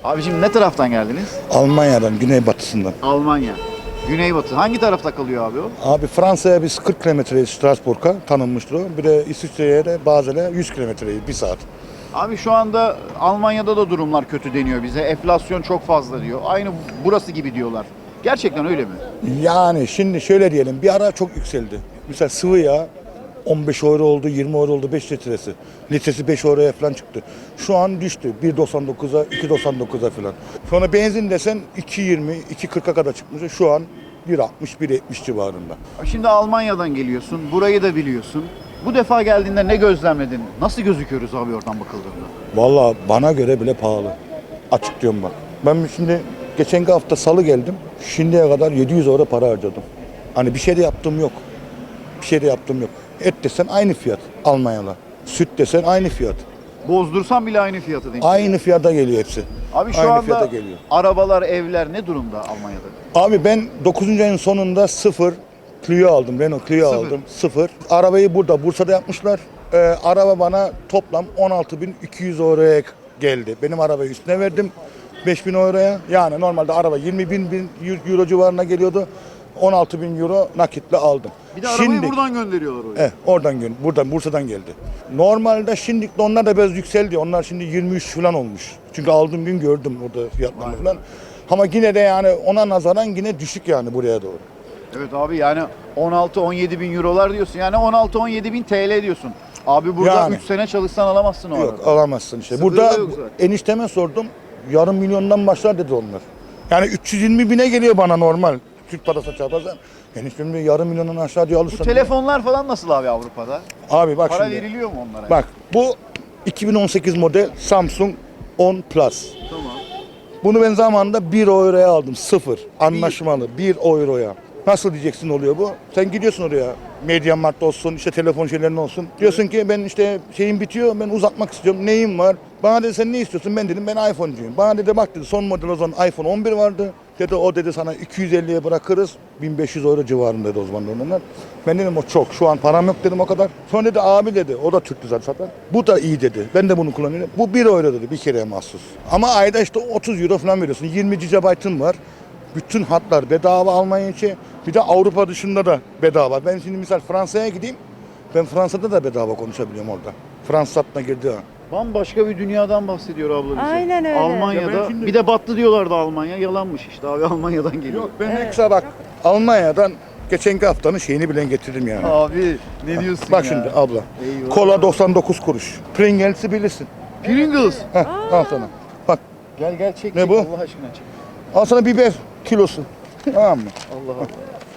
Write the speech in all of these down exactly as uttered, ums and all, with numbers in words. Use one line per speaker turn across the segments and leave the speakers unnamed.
Abi şimdi ne taraftan geldiniz?
Almanya'dan, güneybatısından.
Almanya. Güneybatı. Hangi tarafta kalıyor abi o?
Abi Fransa'ya biz kırk kilometreyiz, Strasbourg'a tanınmıştır o. Bir de İsviçre'ye de Basel'e yüz kilometreyiz, bir saat.
Abi şu anda Almanya'da da durumlar kötü deniyor bize. Enflasyon çok fazla diyor. Aynı burası gibi diyorlar. Gerçekten öyle mi?
Yani şimdi şöyle diyelim, bir ara çok yükseldi. Mesela sıvı yağ on beş euro oldu, yirmi euro oldu beş litresi. Litresi beş euroya falan çıktı. Şu an düştü bir doksan dokuza, iki doksan dokuza falan. Sonra benzin desen iki yirmi, iki kırka kadar çıkmış. Şu an bir altmış, bir yetmiş civarında.
Şimdi Almanya'dan geliyorsun. Burayı da biliyorsun. Bu defa geldiğinde ne gözlemledin? Nasıl gözüküyoruz abi oradan bakıldığında?
Vallahi bana göre bile pahalı. Açık diyorum bak. Ben şimdi geçen hafta salı geldim. Şimdiye kadar yedi yüz euro para harcadım. Hani bir şey de yaptığım yok. Bir şey de yaptığım yok. Et desen aynı fiyat Almanya'la. Süt desen aynı fiyat.
Bozdursan bile aynı fiyatı denk.
Aynı fiyata geliyor hepsi.
Abi şu
aynı fiyata
anda
geliyor.
arabalar, evler ne durumda Almanya'da?
Abi ben dokuzuncu ayın sonunda sıfır Clio aldım. Renault Clio
Sıfır.
aldım. Sıfır. Arabayı burada Bursa'da yapmışlar. Ee, araba bana toplam on altı bin iki yüz euroya geldi. Benim arabayı üstüne verdim. beş bin euroya. Yani normalde araba yirmi bin euro civarına geliyordu. on altı bin euro nakitle aldım.
Bir de arabayı
Şimdi,
buradan gönderiyorlar oraya.
Evet, oradan gö- buradan Bursa'dan geldi. Normalde şimdilik de onlar da biraz yükseldi. Onlar şimdi yirmi üç falan olmuş. Çünkü aldığım gün gördüm orada fiyatlarını falan. Ama yine de yani ona nazaran yine düşük yani buraya doğru.
Evet abi yani on altı on yedi bin eurolar diyorsun. Yani on altı on yedi bin T L diyorsun. Abi burada
Yani.
üç sene çalışsan alamazsın o
Yok
arada.
alamazsın işte.
Sıfırı
Burada
da yok zaten.
enişteme sordum. Yarım milyondan başlar dedi onlar. Yani üç yüz yirmi bine geliyor bana normal. Türk parası çarparsan. Eniştem diyor yarım milyondan aşağı diyor
Bu
alırsan.
telefonlar falan nasıl abi Avrupa'da?
Abi bak
Para
şimdi.
veriliyor mu onlara?
Bak bu iki bin on sekiz model Samsung on Plus.
Tamam.
Bunu ben zamanında bir euroya aldım. Sıfır. Anlaşmalı. bir euroya. Nasıl diyeceksin oluyor bu? Sen gidiyorsun oraya. MediaMarkt olsun, işte telefon şeylerin olsun. Diyorsun ki ben işte şeyim bitiyor, ben uzatmak istiyorum. Neyim var? Bana dedi sen ne istiyorsun? Ben dedim ben iPhone'cuyum. Bana dedi bak dedi son model o zaman iPhone on bir vardı. Dedi o dedi sana iki yüz elliye bırakırız. bin beş yüz euro civarında dedi o zaman onlar. Ben dedim o çok. Şu an param yok dedim o kadar. Sonra dedi abi dedi o da Türk zaten zaten. Bu da iyi dedi. Ben de bunu kullanıyorum. Bu bir euro dedi bir kereye mahsus. Ama ayda işte otuz euro falan veriyorsun. yirmi gigabaytın var. Bütün hatlar bedava Almanya için. Bir de Avrupa dışında da bedava. Ben şimdi misal Fransa'ya gideyim. Ben Fransa'da da bedava konuşabiliyorum orada. Fransız hattına girdi ha.
Bambaşka bir dünyadan bahsediyor abla bize.
Aynen öyle.
Almanya'da
Ya ben şimdi-
bir de battı diyorlardı Almanya. Yalanmış işte abi Almanya'dan geliyor.
Yok ben ekstra bak Almanya'dan geçenki haftanın şeyini bilen getirdim yani.
Abi ne diyorsun
Bak
ya?
şimdi abla.
Eyvah.
Kola doksan dokuz kuruş. Pringles'i bilirsin.
Pringles.
Heh, al sana. Bak
Gel gel çek
Ne
çek
bu?
Allah aşkına çek.
al sana biber kilosu. Tamam mı?
Allah Allah.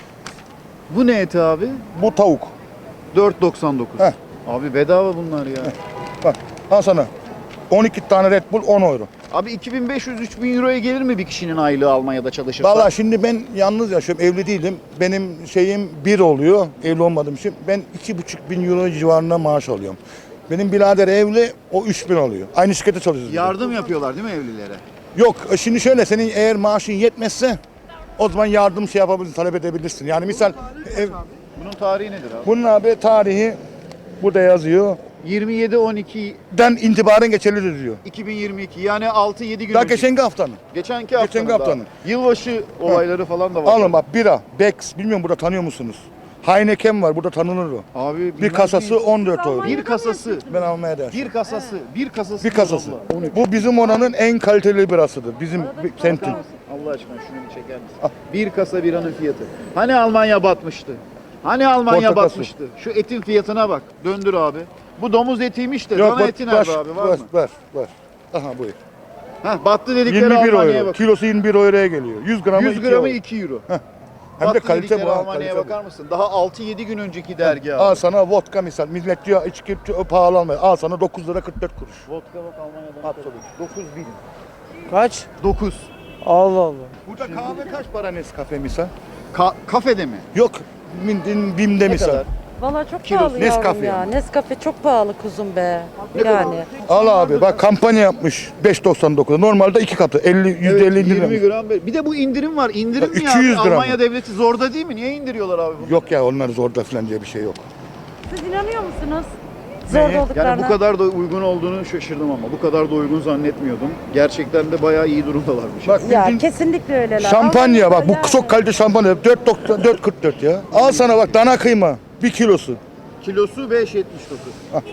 Bu ne eti abi?
Bu tavuk.
dört doksan dokuz.
Heh.
Abi bedava bunlar ya.
Bak al sana. on iki tane Red Bull on euro.
Abi iki bin beş yüz üç bin euroya gelir mi bir kişinin aylığı Almanya'da çalışırsa?
Valla şimdi ben yalnız yaşıyorum, evli değilim. Benim şeyim bir oluyor, evli olmadığım için. Ben iki buçuk bin euro civarında maaş alıyorum. Benim birader evli, o üç bin alıyor. Aynı şirkette çalışıyoruz. biz de.
Yardım yapıyorlar değil mi evlilere?
Yok, şimdi şöyle, senin eğer maaşın yetmezse o zaman yardım şey yapabilirsin, talep edebilirsin. Yani misal, ev,
Bunun tarihi nedir abi?
bunun abi tarihi burada yazıyor.
yirmi yedi on iki
Den itibaren geçerlidir diyor.
iki bin yirmi iki yani altı yedi gün
Daha
önce.
geçenki haftanın.
Geçenki haftanın.
geçenki
daha.
haftanın.
Yılbaşı olayları falan da var.
Alın bak bira, Bex, bilmiyorum burada tanıyor musunuz? Heineken var, burada tanınır o.
Abi
Bir
bilmez
kasası
miyiz?
on dört euro.
Bir kasası.
Ben almaya da yaşıyorum.
Bir kasası. Bir kasası.
Bir kasası.
diyor abla.
Bu bizim oranın en kaliteli birasıdır. Bizim semtin.
Bakar mısın? Allah aşkına şunu bir çeker misin? Bir kasa biranın fiyatı. Hani Almanya batmıştı? Hani Almanya
Portakal su.
batmıştı? Şu etin fiyatına bak. Döndür abi. Bu domuz etiymiş de.
Yok
Dana
bak,
eti nerede
var,
abi? Var
var,
mı?
var, var. Aha buyur.
Heh, battı dedikleri
yirmi bir
Almanya'ya
euro.
bak.
Kilosu yirmi bir euroya geliyor. yüz gramı
yüz
iki
gramı
euro.
iki euro.
Hem de
Battı
kalite
dedikleri
bu. ha,
Almanya'ya
kalite bu.
bakar mısın? Daha altı yedi gün önceki dergi abi.
Al sana vodka misal. Millet diyor içki pahalı almıyor. Al sana dokuz lira kırk dört kuruş.
Vodka bak Almanya'dan.
At tabii. dokuz bin.
Kaç?
dokuz.
Allah Allah.
Burada kahve kaç para Nescafe misal?
Ka- kafede mi?
Yok. Mindin, Bim'de
Ne
misal.
kadar?
Valla çok
Kilosu
pahalı yavrum
Nescafe
ya.
yani.
Nescafe çok pahalı kuzum be.
Ne
yani.
kadar?
Al abi bak kampanya yapmış. beş doksan dokuz. Normalde iki katı. elli yüzde elli
Evet,
indirim.
yirmi gram. Bir de bu indirim var. İndirim mi ya?
iki yüz gram.
Almanya devleti zorda değil mi? Niye indiriyorlar abi bunu?
Yok ya onlar zorda falan diye bir şey yok.
Siz inanıyor musunuz? Zor
Neyi?
olduklarını.
Yani bu kadar da uygun olduğunu şaşırdım ama bu kadar da uygun zannetmiyordum. Gerçekten de bayağı iyi durumdalarmış.
Bak
Ya
bildiğin
kesinlikle öyleler.
şampanya bak bu
Yani.
çok kalite şampanya dört kırk dört ya. Al sana bak dana kıyma bir kilosu.
Kilosu beş yetmiş dokuz.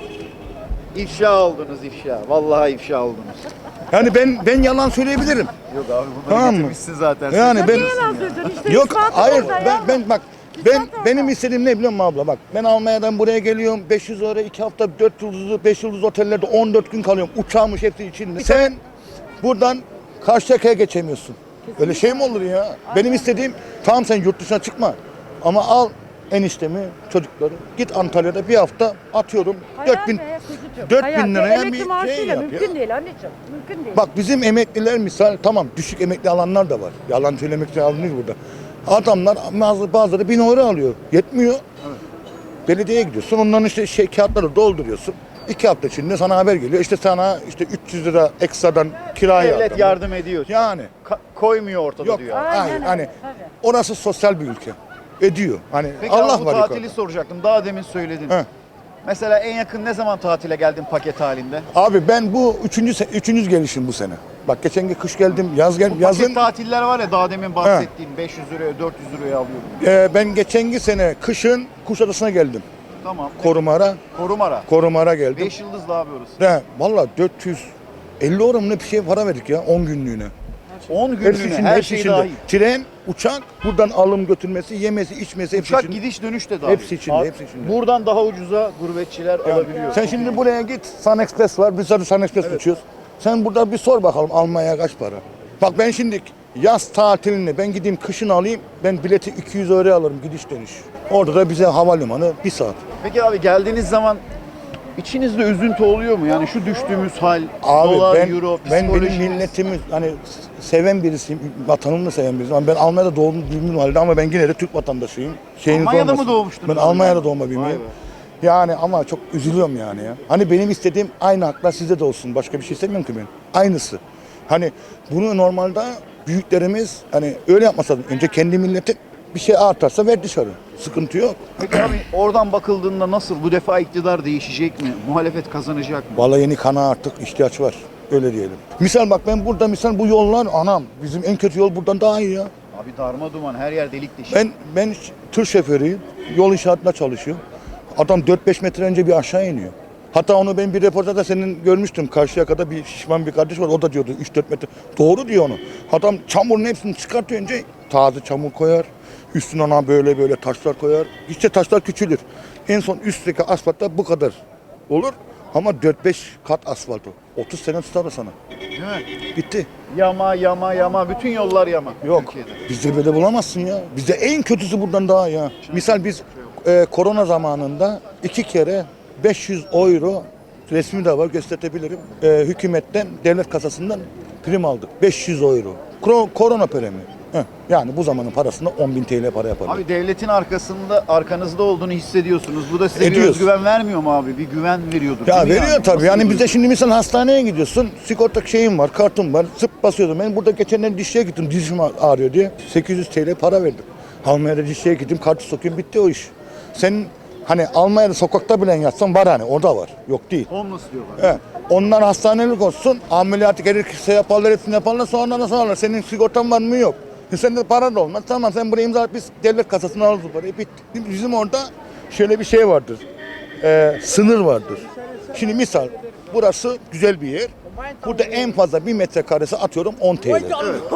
İfşa oldunuz ifşa. Vallahi ifşa oldunuz.
Yani ben ben yalan söyleyebilirim.
Yok abi bunları
Tamam mı?
getirmişsin zaten.
Yani
Sen
ben
Ne yalan söylüyorsun işte.
yok
ispatı
hayır
ortada
ben
ya.
ben bak ben benim istediğim ne biliyor musun abla bak ben Almanya'dan buraya geliyorum beş yüz euro iki hafta dört yıldızlı beş yıldızlı otellerde on dört gün kalıyorum uçağmış hepsi içinde. Sen buradan Karşıyaka'ya geçemiyorsun. Öyle şey mi olur ya? Benim istediğim tamam sen yurt dışına çıkma ama al eniştemi çocukları git Antalya'da bir hafta atıyorum
Hayal
dört bin
be kuzucuğum,
dört
hayal.
bin
Ve
liraya
emekli
bir şey
maaşıyla
yap
mümkün
ya.
değil anneciğim. Mümkün değil.
Bak bizim emekliler misal tamam düşük emekli alanlar da var. Yalan söylemek için alınıyor burada. Adamlar bazı, bazıları bin euro alıyor. Yetmiyor. Belediyeye gidiyorsun. Onların işte şey kağıtları dolduruyorsun. İki hafta içinde sana haber geliyor. İşte sana işte üç yüz lira ekstradan kira
devlet
yardım.
yardım ediyor.
Yani.
Ka- koymuyor ortada
Yok.
diyor.
Aynen
Hayır,
öyle,
hani
tabii.
orası sosyal bir ülke. Ediyor. Hani
Peki
Allah
abi bu
var
tatili
yukarıda.
soracaktım. Daha demin söyledin.
He.
Mesela en yakın ne zaman tatile geldin paket halinde?
Abi ben bu üçüncü, se- üçüncü gelişim bu sene. Bak geçen gün kış geldim, yaz geldim.
Bu paket
Yazın
tatiller var ya daha demin bahsettiğin beş yüz liraya dört yüz liraya alıyorum.
e, ben geçen sene kışın Kuşadası'na geldim.
Tamam.
Korumara,
Korumara.
Korumara geldim.
beş yıldızlı abi orası.
De valla dört yüz elli euro mu ne bir şey para verdik ya on günlüğüne.
on
Hepsi
günlüğüne
içinde,
her
hepsi
şey
içinde.
dahil.
Tren, uçak, buradan alım götürmesi, yemesi, içmesi hepsi
Uçak
içinde.
gidiş dönüş de dahil.
Hepsi içinde,
Abi,
hepsi içinde.
Buradan daha ucuza gurbetçiler alabiliyor.
Sen şimdi buraya git, Sun Express var, biz zaten Sun Express uçuyoruz. Sen burada bir sor bakalım Almanya'ya kaç para? Bak ben şimdi yaz tatilini ben gideyim kışın alayım, ben bileti iki yüz euro alırım gidiş dönüş. Orada da bize havalimanı bir saat.
Peki abi geldiğiniz zaman içinizde üzüntü oluyor mu? Yani şu düştüğümüz hal,
Abi
dolar,
ben,
euro,
ben benim
psikolojiniz.
milletimi hani seven birisiyim, vatanımı da seven birisiyim. Ama ben Almanya'da doğdum büyüdüm halde ama ben yine de Türk vatandaşıyım. Şeyiniz
Almanya'da
olmasın.
mı doğmuştunuz
Ben
abi?
Almanya'da doğma
Vay
büyümeyim.
be.
Yani ama çok üzülüyorum yani ya. Hani benim istediğim aynı haklar sizde de olsun. Başka bir şey istemiyorum ki ben. Aynısı. Hani bunu normalde büyüklerimiz hani öyle yapmasa önce kendi milleti bir şey artarsa ver dışarı. Sıkıntı yok.
Peki abi oradan bakıldığında nasıl? Bu defa iktidar değişecek mi? Muhalefet kazanacak mı?
Vallahi yeni kana artık ihtiyaç var. Öyle diyelim. Misal bak ben burada misal bu yollar anam bizim en kötü yol buradan daha iyi ya.
Abi darma duman her yer delik deşik.
Ben ben tır şoförüyüm. Yol inşaatında çalışıyorum. Adam dört beş metre önce bir aşağı iniyor. Hatta onu ben bir reportajda senin görmüştüm. Karşıyaka'da bir şişman bir kardeş var. O da diyordu üç dört metre. Doğru diyor onu. Adam çamurun hepsini çıkartıyor önce. Taze çamur koyar. Üstüne ona böyle böyle taşlar koyar. İşte taşlar küçülür. En son üstteki asfaltta bu kadar olur. Ama dört beş kat asfalt o. otuz sene tutar o sana.
Değil mi?
Bitti.
Yama yama yama. Bütün yollar yama.
Yok.
Türkiye'de.
Bizde böyle bulamazsın ya. Bizde en kötüsü buradan daha ya. Misal biz e, korona zamanında iki kere beş yüz euro resmi de var gösterebilirim. E, hükümetten, devlet kasasından prim aldık. beş yüz euro. Kro- korona primi. Heh, yani bu zamanın parasında on bin T L para yapar.
Abi devletin arkasında arkanızda olduğunu hissediyorsunuz. Bu da size bir
Ediyoruz.
özgüven vermiyor mu abi? Bir güven veriyordur.
Ya
değil mi
veriyor
yani?
tabii.
Nasıl
Yani
bir
bizde
duygu?
şimdi misal hastaneye gidiyorsun. Sigorta şeyim var, kartım var. Zıp basıyordum. Ben burada geçenler dişçiye gittim. Dişim ağrıyor diye. sekiz yüz T L para verdim. Almanya'da dişçiye gittim. Kartı sokuyorum. Bitti o iş. Senin hani Almanya'da sokakta bile yatsan var hani. Orada var. Yok değil.
Homeless diyorlar.
He. Onlar hastanelik olsun. Ameliyatı gerekirse yaparlar, hepsini yaparlar. Sonra nasıl alırlar? Senin sigortan var mı? Yok. E sende para da olmaz. Tamam sen buraya imza at. Biz devlet kasasına alırız bu parayı. Bitti. Bizim orada şöyle bir şey vardır. Ee, sınır vardır. Şimdi misal burası güzel bir yer. Burada en fazla bir metrekaresi atıyorum on T L.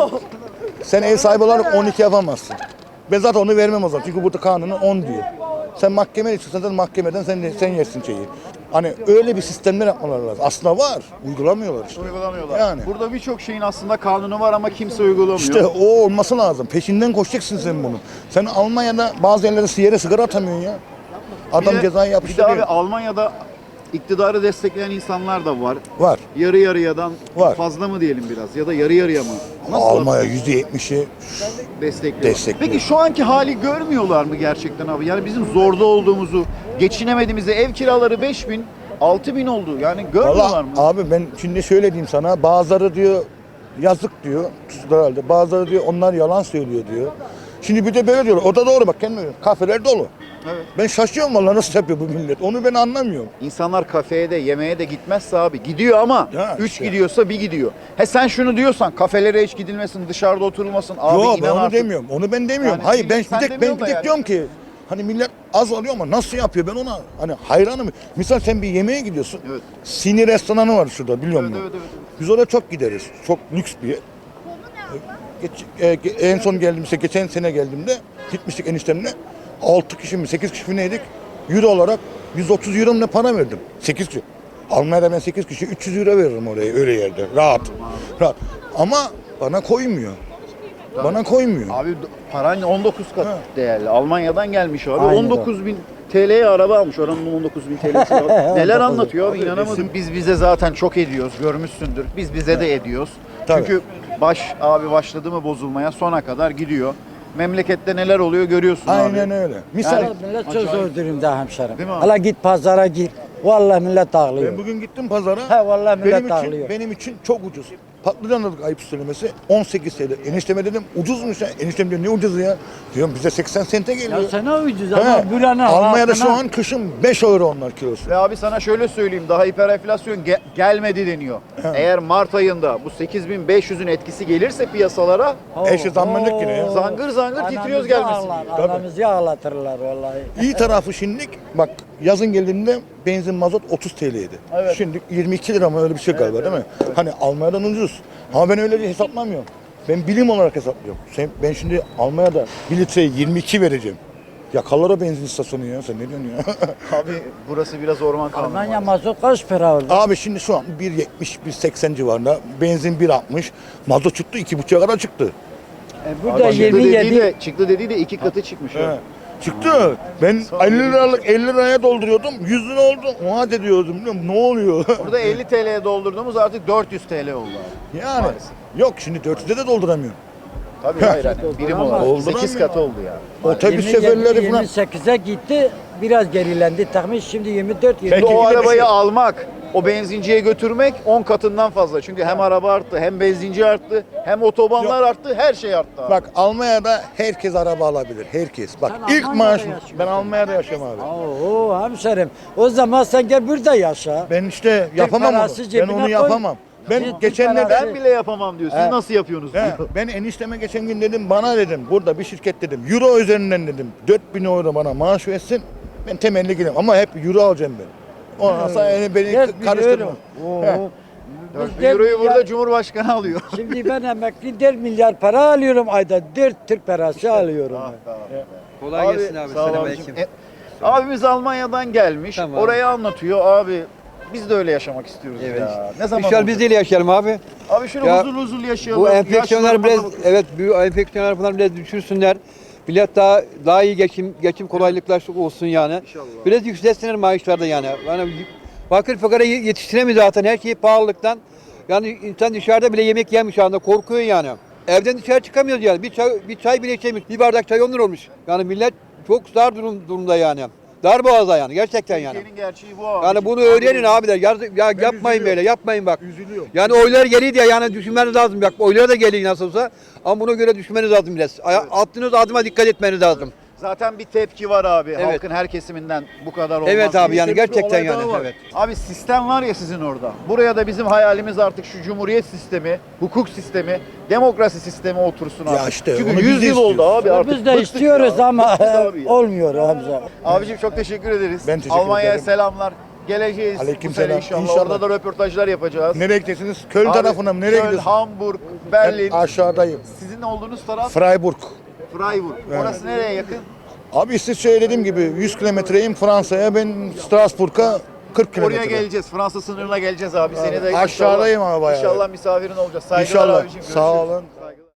Sen ev sahibi olarak on iki yapamazsın. Ben zaten onu vermem o zaman. Çünkü burada kanunu on diyor. Sen mahkemeye çıksan zaten mahkemeden sen, sen yersin şeyi. Hani öyle bir sistemler yapmaları lazım. Aslında var. Uygulamıyorlar işte.
Uygulamıyorlar.
Yani.
Burada birçok şeyin aslında kanunu var ama kimse uygulamıyor.
İşte o olması lazım. Peşinden koşacaksın sen bunu. Sen Almanya'da bazı yerlerde yere sigara atamıyorsun ya.
Bir
Adam
de-
cezayı
Bir de
yapıştırıyor.
abi Almanya'da iktidarı destekleyen insanlar da var.
Var.
Yarı yarıyadan
Var.
fazla mı diyelim biraz ya da yarı yarıya mı?
Almanya yüzde yetmişi
destekliyor?
destekliyor.
Peki şu anki hali görmüyorlar mı gerçekten abi? Yani bizim zorda olduğumuzu, geçinemediğimizi, ev kiraları beş bin, altı bin oldu. Yani görmüyorlar
Valla
mı?
abi ben şimdi şöyle diyeyim sana. Bazıları diyor yazık diyor. Tuzlar halde. Bazıları diyor onlar yalan söylüyor diyor. Şimdi bir de böyle diyorlar. O da doğru bak kendime. Kafeler dolu.
Evet.
Ben şaşıyorum vallahi nasıl yapıyor bu millet. Onu ben anlamıyorum.
İnsanlar kafeye de yemeğe de gitmezse abi gidiyor ama
Ya
üç
işte.
gidiyorsa bir gidiyor. He sen şunu diyorsan kafelere hiç gidilmesin, dışarıda oturulmasın abi
Yok ben
inan
onu
artık.
demiyorum. Onu ben demiyorum.
Yani
Hayır ben
millet sen
bir tek ben
demiyorsun
bir
da
tek
yani.
diyorum ki hani millet az alıyor ama nasıl yapıyor ben ona hani hayranım. Misal sen bir yemeğe gidiyorsun.
Evet.
Sini restoranı var şurada biliyor
Evet,
musun?
evet, evet, evet.
Biz oraya çok gideriz. Çok lüks bir yer. Geç, e, ge- en son geldiğimde geçen sene geldiğimde gitmiştik eniştemle. altı kişi mi sekiz kişi mi neydik? Euro olarak yüz otuz euro mu ne para verdim. sekiz kişi. Almanya'da ben sekiz kişi üç yüz euro veririm oraya öyle yerde. Rahat. Rahat. Ama bana koymuyor. Bana koymuyor.
Abi d- paran on dokuz kat
Ha.
değerli. Almanya'dan gelmiş abi.
Aynen
on dokuz bin T L'ye araba almış. Oranın on dokuz bin T L'si var. Neler anlatıyor abi,
Abi
inanamadım.
resim-
Biz bize zaten çok ediyoruz. Görmüşsündür. Biz bize de ediyoruz.
Tabii.
Çünkü baş abi başladı mı bozulmaya sona kadar gidiyor. Memlekette neler oluyor görüyorsun abi.
Aynen öyle. Misal
Yani-
Millet çok
Acayip.
zor durumda hemşerim.
Değil mi abi?
Hala git pazara gir. Vallahi millet ağlıyor.
ben bugün gittim pazara.
He vallahi millet
benim için,
ağlıyor.
benim için çok ucuz. Patlıcan aldık ayıp söylemesi on sekiz T L. Enişteme dedim ucuzmuş ya. Eniştem diyor ne ucuzu ya? Diyorum bize seksen sente geliyor.
Ya sana ucuz
He.
ama buranın
Almanya'da şu
halkına-
an kışın beş euro onlar kilosu.
Ve abi sana şöyle söyleyeyim, daha hiperenflasyon ge- gelmedi deniyor. Eğer Mart ayında bu sekiz bin beş yüzün etkisi gelirse piyasalara
Oo,
Eşi zammanlık
oo.
yine ya.
zangır zangır
Anamızı
titriyoruz gelmesin.
ağlar,
Tabii.
Anamızı ağlatırlar vallahi.
İyi tarafı şimdilik bak yazın geldiğinde benzin mazot otuz T L'ydi.
Evet.
Şimdi yirmi iki lira mı öyle bir şey galiba değil mi? Hani Almanya'dan ucuz. Ama ben öyle hesaplamıyorum. Ben bilim olarak hesaplıyorum. Sen, ben şimdi Almanya'da bir litreye yirmi iki vereceğim. Yakarlar o benzin istasyonu ya. Sen ne diyorsun ya?
Abi burası biraz orman kanunu.
Almanya
maalesef.
mazot kaç para oldu?
Abi şimdi şu an bir yetmiş bir seksen civarında. Benzin bir altmış. Mazot çıktı iki buçuğa kadar çıktı.
E, burada
Abi çıktı
yirmi
dediği
yedi.
de, çıktı dediği de iki katı çıkmış.
He.
ya.
Çıktı. Ben elli liralık elli liraya dolduruyordum. yüz lira oldu. Oha de diyordum. Biliyor musun? Ne oluyor?
Burada elli T L'ye doldurduğumuz artık dört yüz T L oldu abi.
yani.
Maalesef.
Yok şimdi dört yüze de dolduramıyorum.
Tabii hayır hani birim olarak
Dolduramıyor.
sekiz katı oldu yani.
Otobüs
yirmi yedi,
şoförleri falan.
yirmi sekize gitti. Biraz gerilendi. Takmış şimdi yirmi dört yirmi
Şimdi
Peki,
o
bir de bir
arabayı
şey-
almak, o benzinciye götürmek on katından fazla. Çünkü hem araba arttı, hem benzinci arttı, hem otobanlar arttı, her şey arttı abi.
Bak Almanya'da herkes araba alabilir. Herkes. Bak
Sen
ilk
Almanya'da
maaşım.
yaşıyorsun.
Ben Almanya'da yaşıyorum abi.
Oo hemşerim. O zaman sen gel burada yaşa.
Ben işte yapamam onu.
parası
Ben
cebine
onu
koy.
yapamam. Ben
Türk
geçenlerde
parası.
Ben bile yapamam diyor. Siz
He.
nasıl yapıyorsunuz
He,
diyor.
ben enişteme geçen gün dedim bana dedim burada bir şirket dedim euro üzerinden dedim dört bin euro bana maaş versin ben temelli gireyim ama hep euro alacağım ben. Ondan sonra yani beni
Dört bin
karıştırma.
euro. Oo.
He.
Biz
dört bin
dört
euroyu
milyar-
burada Cumhurbaşkanı alıyor.
Şimdi ben emekli dört milyar para alıyorum ayda. dört Türk parası alıyorum.
Ah,
ben.
tamam.
Kolay gelsin abi.
sağ ol
Selamünaleyküm.
abicim. E, abimiz Almanya'dan gelmiş.
Tamam.
Orayı anlatıyor abi. Biz de öyle yaşamak istiyoruz
Evet.
ya. Ne zaman
İnşallah
olacak?
biz de öyle yaşayalım abi.
Abi şöyle
Ya,
huzurlu huzurlu yaşayalım.
Bu enfeksiyonlar biraz
Yaşlılarımıza bakın.
evet bu enfeksiyonlar falan biraz düşürsünler. Millet daha daha iyi geçim geçim kolaylıklar olsun yani.
İnşallah.
Biraz yükselsinler maaşlarda yani. Yani fakir fukara yetiştiremiyor zaten her şeyi pahalılıktan. Yani insan dışarıda bile yemek yemiyor şu anda korkuyor yani. Evden dışarı çıkamıyoruz yani. Bir çay, bir çay bile içemiyoruz. Bir bardak çay on lira olmuş. Yani millet çok zor durum, durumda yani. Dar boğazda yani gerçekten yani.
Türkiye'nin gerçeği bu abi.
Yani bunu öğrenin abiler. Ya, ya yapmayın
üzülüyorum.
böyle, yapmayın bak.
Üzülüyor.
Yani oylar geliyor diye yani düşünmeniz lazım. Bak oylar da geliyor nasıl olsa. Ama buna göre düşünmeniz lazım biraz. Aya- Attığınız adıma dikkat etmeniz lazım.
Zaten bir tepki var abi.
Evet.
Halkın her kesiminden bu kadar olmaz.
Evet abi
diye.
yani
bir olay
gerçekten
daha
yani.
var.
Evet.
Abi sistem var ya sizin orada. Buraya da bizim hayalimiz artık şu cumhuriyet sistemi, hukuk sistemi, demokrasi sistemi otursun abi.
Ya işte onu
Çünkü
biz
yüz
de
yıl oldu
istiyoruz.
abi artık.
Biz de
bıktık
istiyoruz
ya.
ama
Bıktık abi ya.
olmuyor Hamza.
Abicim çok teşekkür ederiz.
Ben teşekkür
Almanya'ya
ederim.
selamlar. Geleceğiz
Aleyküm
bu sene
selam.
inşallah.
İnşallah.
Orada da röportajlar yapacağız.
Nereye gideceksiniz? Köln
Abi,
tarafına mı? Nereye
Köln,
gidiyorsun?
Hamburg, Berlin.
Ben aşağıdayım.
Sizin olduğunuz taraf
Freiburg.
Freiburg. Orası nereye yakın?
Abi İsviçre'ye dediğim gibi yüz kilometreyim Fransa'ya ben Strasbourg'a kırk kilometre.
Oraya geleceğiz. Fransa sınırına geleceğiz abi. Seni de
Aşağıdayım ama bayağı.
İnşallah misafirin olacağız. Saygılar
İnşallah.
abicim.
Sağ
Görüşürüz.
olun.